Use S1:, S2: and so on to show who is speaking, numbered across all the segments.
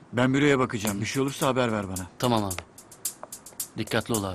S1: Ben büroya bakacağım. Bir şey olursa haber ver bana.
S2: Tamam abi. Dikkatli ol abi.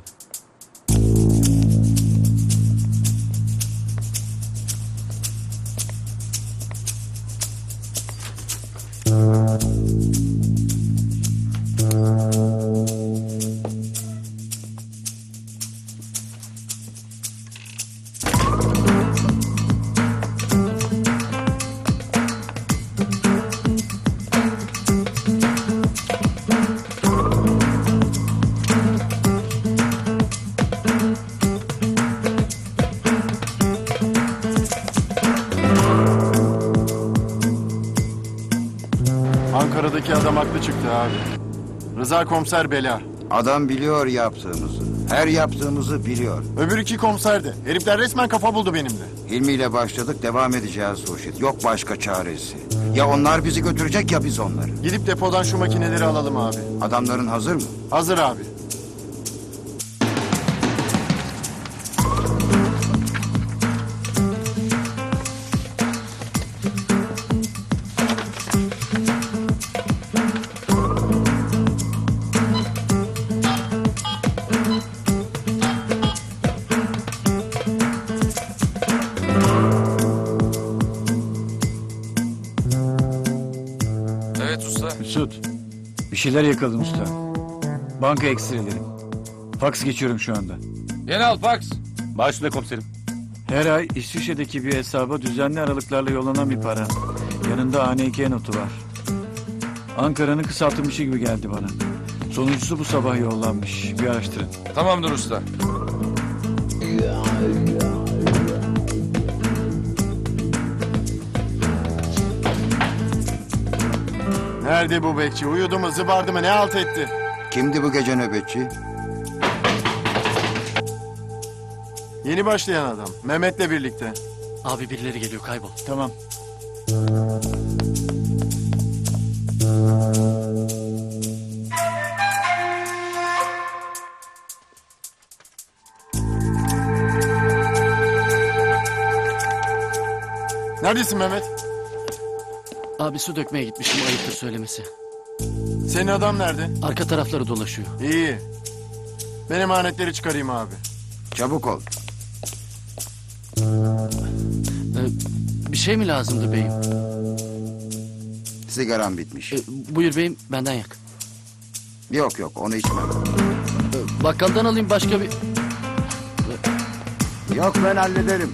S3: Ankara'daki adam haklı çıktı abi. Rıza komiser bela.
S4: Adam biliyor yaptığımızı. Her yaptığımızı biliyor.
S3: Öbür iki komiser de. Herifler resmen kafa buldu benimle.
S4: Hilmi ile başladık, devam edeceğiz Hurşit. Yok başka çaresi. Ya onlar bizi götürecek ya biz onları.
S3: Gidip depodan şu makineleri alalım abi.
S4: Adamların hazır mı?
S3: Hazır abi.
S5: Evet usta.
S1: Mesut. Bir şeyler yakaladım usta. Banka ekstreleri. Faks geçiyorum şu anda.
S5: Genel Fax.
S6: Başüstüne komiserim.
S1: Her ay İsviçre'deki bir hesaba düzenli aralıklarla yollanan bir para. Yanında ANK notu var. Ankara'nın kısaltılmışı gibi geldi bana. Sonuncusu bu sabah yollanmış. Bir araştırın.
S5: Tamamdır usta.
S3: Nerede bu bekçi? Uyudu mu, zıbardı mı, ne halt etti?
S4: Kimdi bu gece nöbetçi?
S3: Yeni başlayan adam. Mehmet'le birlikte.
S2: Abi birileri geliyor, kaybol.
S1: Tamam.
S3: Neredesin Mehmet?
S2: Abi su dökmeye gitmişim, ayıptır söylemesi.
S3: Senin adam nerede?
S2: Arka tarafları dolaşıyor.
S3: İyi. Ben emanetleri çıkarayım abi.
S4: Çabuk ol.
S2: Bir şey mi lazımdı beyim?
S4: Sigaram bitmiş.
S2: Buyur beyim, benden yak.
S4: Yok yok onu içmem.
S2: Bakkaldan alayım başka bir...
S4: Yok ben hallederim.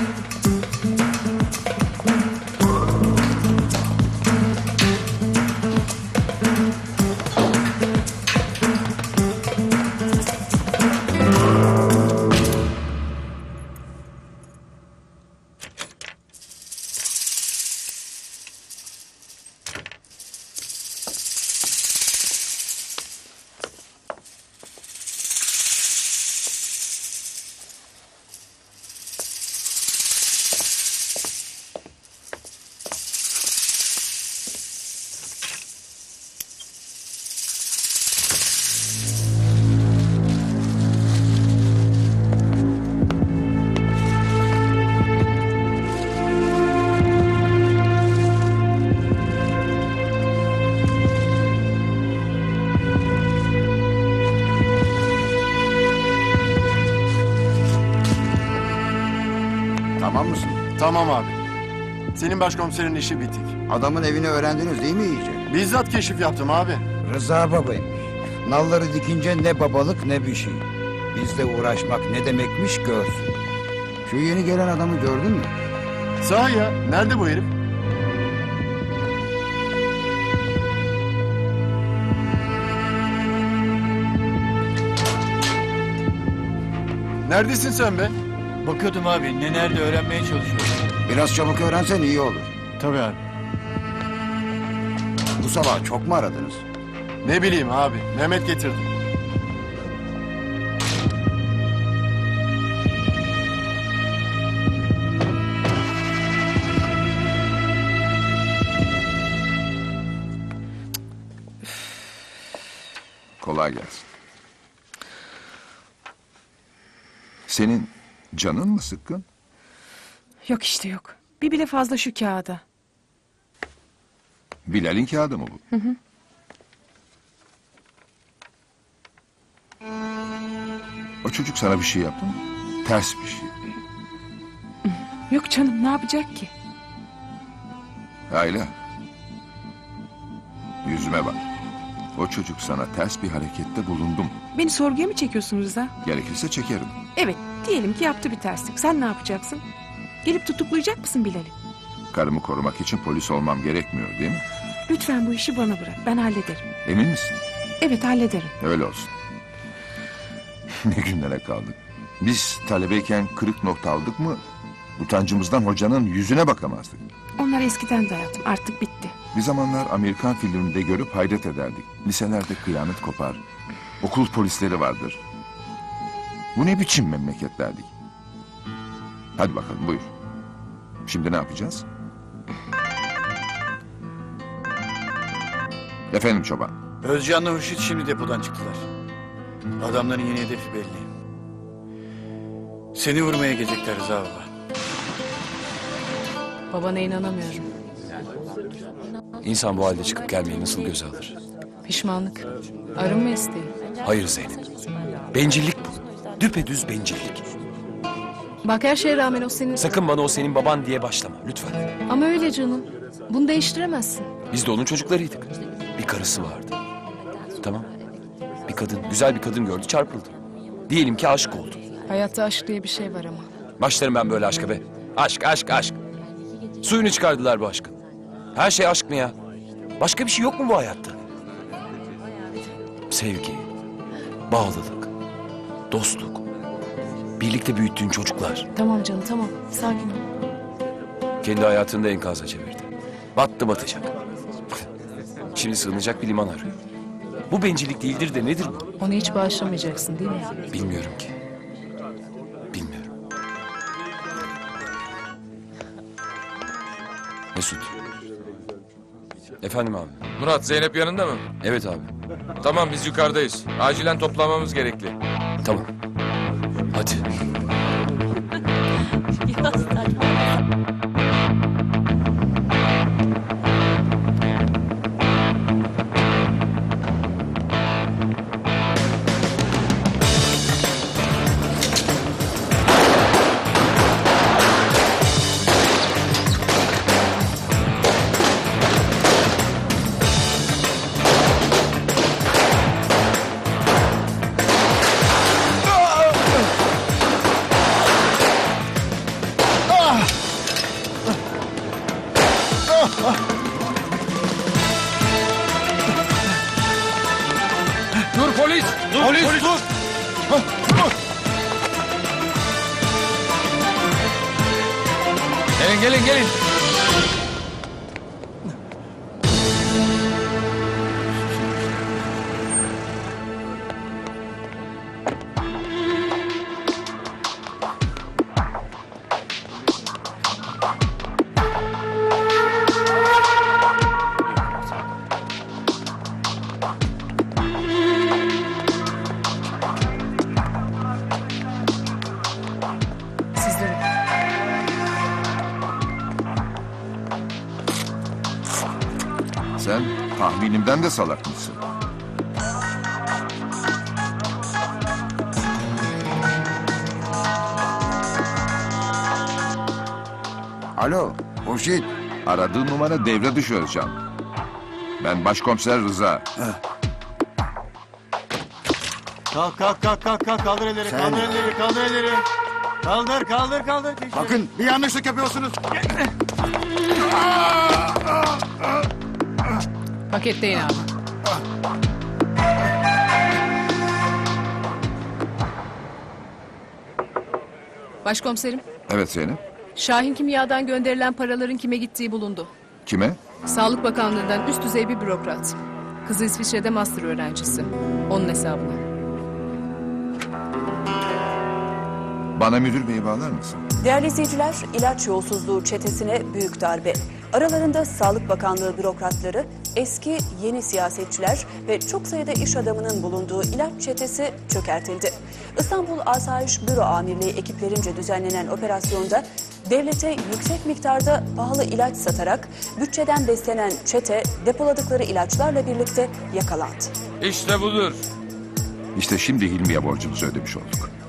S4: Tamam mısın?
S3: Tamam abi. Senin başkomiserin işi bitik.
S4: Adamın evini öğrendiniz değil mi iyice?
S3: Bizzat keşif yaptım abi.
S4: Rıza babaymış. Nalları dikince ne babalık ne bir şey. Bizle uğraşmak ne demekmiş görsün. Şu yeni gelen adamı gördün mü?
S3: Sahi ya. Nerede bu herif? Neredesin sen be?
S1: Bakıyordum abi. Ne nerede öğrenmeye çalışıyorum.
S4: Biraz çabuk öğrensen iyi olur.
S1: Tabii abi.
S4: Bu sabah çok mu aradınız?
S3: Ne bileyim abi. Mehmet getirdi.
S7: Kolay gelsin. Senin canın mı sıkkın?
S8: Yok işte yok. Bir bile fazla şu kağıda.
S7: Bilal'in kağıdı mı bu? çocuk sana bir şey yaptı mı? Ters bir şey.
S8: Yok canım, ne yapacak ki?
S7: Ayla. Yüzüme bak. O çocuk sana ters bir harekette bulundu mu?
S8: Beni sorguya mı çekiyorsun Rıza?
S7: Gerekirse çekerim.
S8: Evet, diyelim ki yaptı bir terslik. Sen ne yapacaksın? Gelip tutuklayacak mısın Bilal'i?
S7: Karımı korumak için polis olmam gerekmiyor değil mi?
S8: Lütfen bu işi bana bırak. Ben hallederim.
S7: Emin misin?
S8: Evet, hallederim.
S7: Öyle olsun. Ne günlere kaldık. Biz talebeyken kırık nokta aldık mı... utancımızdan hocanın yüzüne bakamazdık.
S8: Onlar eskiden de hayatım. Artık bitti.
S7: Bir zamanlar Amerikan filminde görüp hayret ederdik. Liselerde kıyamet kopar. Okul polisleri vardır. Bu ne biçim memleket derdik. Hadi bakalım buyur. Şimdi ne yapacağız? Efendim çoban.
S1: Özcan'la Hurşit şimdi depodan çıktılar. Adamların yeni hedefi belli. Seni vurmaya gelecekler Rıza baba.
S6: Babana inanamıyorum.
S5: İnsan bu halde çıkıp gelmeyi nasıl göze alır?
S6: Pişmanlık. Arınma isteği.
S5: Hayır Zeynep. Bencillik bu. Düpedüz bencillik.
S6: Bak her şeye rağmen o senin...
S5: Sakın bana o senin baban diye başlama lütfen.
S6: Ama öyle canım. Bunu değiştiremezsin.
S5: Biz de onun çocuklarıydık. Bir karısı vardı. Tamam. Bir kadın, güzel bir kadın gördü, çarpıldı. Diyelim ki aşık oldu.
S6: Hayatta aşk diye bir şey var ama.
S5: Başlarım ben böyle aşka be. Aşk, aşk, aşk. Suyunu çıkardılar bu aşkın. Her şey aşk mı ya? Başka bir şey yok mu bu hayatta? Sevgi, bağlılık, dostluk, birlikte büyüttüğün çocuklar.
S6: Tamam canım tamam. Sakin ol.
S5: Kendi hayatını da enkaza çevirdi. Battı batacak. Şimdi sığınacak bir liman arıyor. Bu bencillik değildir de nedir bu?
S6: Onu hiç bağışlamayacaksın değil mi?
S5: Bilmiyorum ki. Bilmiyorum. Mesut. Efendim abi.
S9: Murat, Zeynep yanında mı?
S5: Evet abi.
S9: Tamam, biz yukarıdayız. Acilen toplamamız gerekli.
S5: Tamam. Hadi.
S9: Dur polis! Dur polis! Dur! Gelin gelin gelin!
S6: Sizlerin.
S7: Sen tahminimden de salak mısın?
S4: Alo, Hurşit.
S7: Aradığın numara devre dışı Özcan. Ben başkomiser Rıza.
S3: Kalk kalk kalk kalk kalk kaldır elleri
S4: Sen-
S3: kaldır elleri kaldır elleri. Kaldır kaldır kaldır.
S4: Bakın bir yanlışlık yapıyorsunuz.
S6: Paketleyin abi. Başkomiserim,
S7: Evet Zeynep.
S6: Şahin Kimya'dan gönderilen paraların kime gittiği bulundu.
S7: Kime?
S6: Sağlık Bakanlığı'ndan üst düzey bir bürokrat. Kızı İsviçre'de master öğrencisi. Onun hesabına.
S7: Bana müdür beyi bağlar mısın?
S10: Değerli izleyiciler, ilaç yolsuzluğu çetesine büyük darbe. Aralarında Sağlık Bakanlığı bürokratları, eski yeni siyasetçiler ve çok sayıda iş adamının bulunduğu ilaç çetesi çökertildi. İstanbul Asayiş Büro Amirliği ekiplerince düzenlenen operasyonda devlete yüksek miktarda pahalı ilaç satarak bütçeden beslenen çete depoladıkları ilaçlarla birlikte yakalandı.
S9: İşte budur.
S7: İşte şimdi Hilmi'ye borcumuzu ödemiş olduk.